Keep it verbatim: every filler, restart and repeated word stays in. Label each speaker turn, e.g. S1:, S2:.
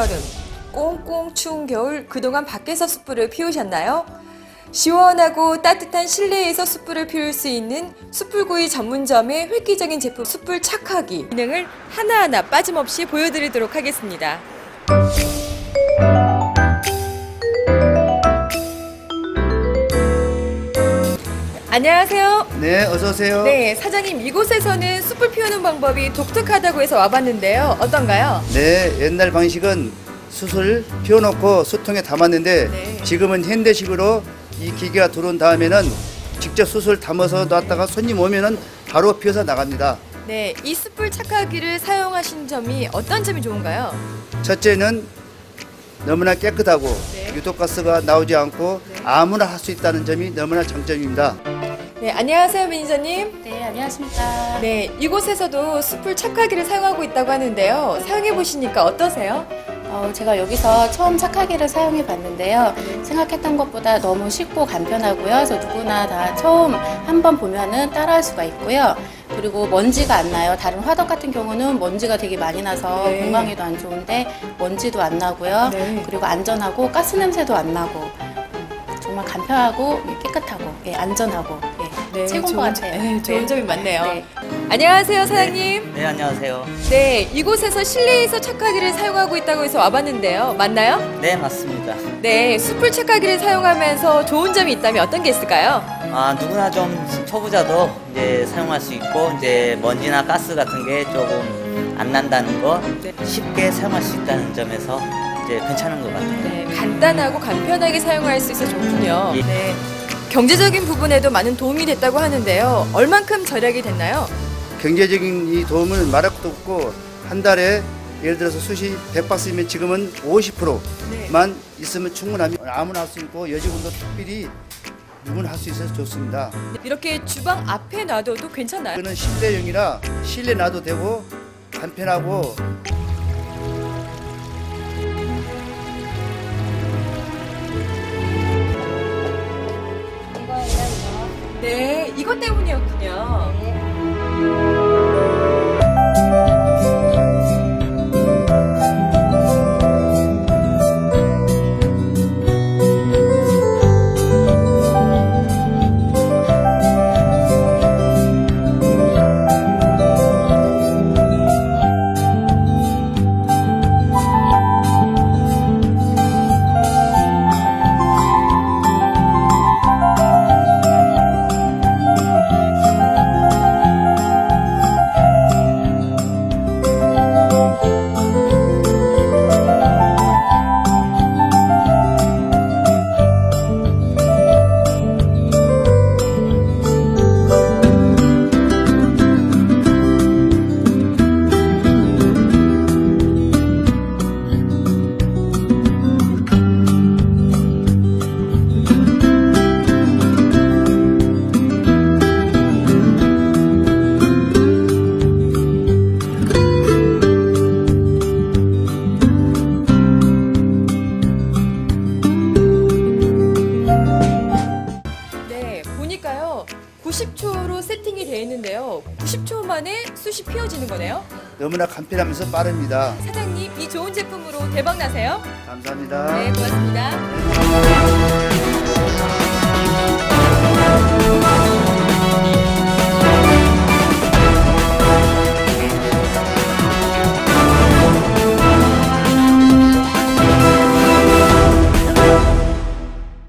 S1: 여름, 꽁꽁 추운 겨울 그동안 밖에서 숯불을 피우셨나요? 시원하고 따뜻한 실내에서 숯불을 피울 수 있는 숯불구이 전문점의 획기적인 제품 숯불 착하기 기능을 하나하나 빠짐없이 보여드리도록 하겠습니다. 안녕하세요.
S2: 네, 어서 오세요.
S1: 네, 사장님, 이곳에서는 숯불 피우는 방법이 독특하다고 해서 와봤는데요. 어떤가요?
S2: 네, 옛날 방식은 숯을 피워놓고 숯통에 담았는데
S1: 네.
S2: 지금은 현대식으로 이 기계가 들어온 다음에는 직접 숯을 담아서 놨다가 손님 오면은 바로 피워서 나갑니다.
S1: 네, 이 숯불 착하기를 사용하신 점이 어떤 점이 좋은가요?
S2: 첫째는 너무나 깨끗하고
S1: 네.
S2: 유독가스가 나오지 않고
S1: 네.
S2: 아무나 할 수 있다는 점이 너무나 장점입니다.
S1: 네, 안녕하세요, 매니저님.
S3: 네, 안녕하십니까.
S1: 네, 이곳에서도 숯불 착하기를 사용하고 있다고 하는데요. 사용해 보시니까 어떠세요?
S3: 어, 제가 여기서 처음 착하기를 사용해 봤는데요. 생각했던 것보다 너무 쉽고 간편하고요. 그래서 누구나 다 처음 한번 보면은 따라할 수가 있고요. 그리고 먼지가 안 나요. 다른 화덕 같은 경우는 먼지가 되게 많이 나서
S1: 네.
S3: 건강에도 안 좋은데 먼지도 안 나고요.
S1: 네.
S3: 그리고 안전하고 가스 냄새도 안 나고 음, 정말 간편하고 깨끗하고 예, 안전하고 예, 최고인 것 같아요.
S1: 네, 좋은
S3: 네.
S1: 점이 많네요.
S3: 네.
S1: 안녕하세요, 사장님.
S4: 네, 안녕하세요.
S1: 네, 이곳에서 실내에서 착하기를 사용하고 있다고 해서 와봤는데요. 맞나요?
S4: 네, 맞습니다.
S1: 네, 숯불 착하기를 사용하면서 좋은 점이 있다면 어떤 게 있을까요?
S4: 아, 누구나 좀 초보자도 이제 사용할 수 있고, 이제 먼지나 가스 같은 게 조금 안 난다는 거
S1: 네.
S4: 쉽게 사용할 수 있다는 점에서 이제 괜찮은 것 같아요.
S1: 네, 간단하고 간편하게 사용할 수 있어 좋군요.
S4: 예.
S1: 네, 경제적인 부분에도 많은 도움이 됐다고 하는데요. 얼만큼 절약이 됐나요?
S2: 경제적인 이 도움은 말할 것도 없고 한 달에 예를 들어서 숯이 백 박스면 지금은 오십 퍼센트만
S1: 네.
S2: 있으면 충분합니다. 아무나 할 수 있고 여직원도 특별히 누구나 할 수 있어서 좋습니다.
S1: 이렇게 주방 앞에 놔둬도 괜찮나요?
S2: 이거는 실내용이라 실내 놔도 되고 간편하고
S1: 네, 이것 때문이었군요. 네, 보니까요. 구십 초로 세팅이 되어 있는데요. 구십 초 만에 숯이 피워지는 거네요.
S2: 너무나 간편하면서 빠릅니다.
S1: 사장님, 이 좋은 제품으로 대박 나세요.
S2: 감사합니다.
S1: 네, 고맙습니다.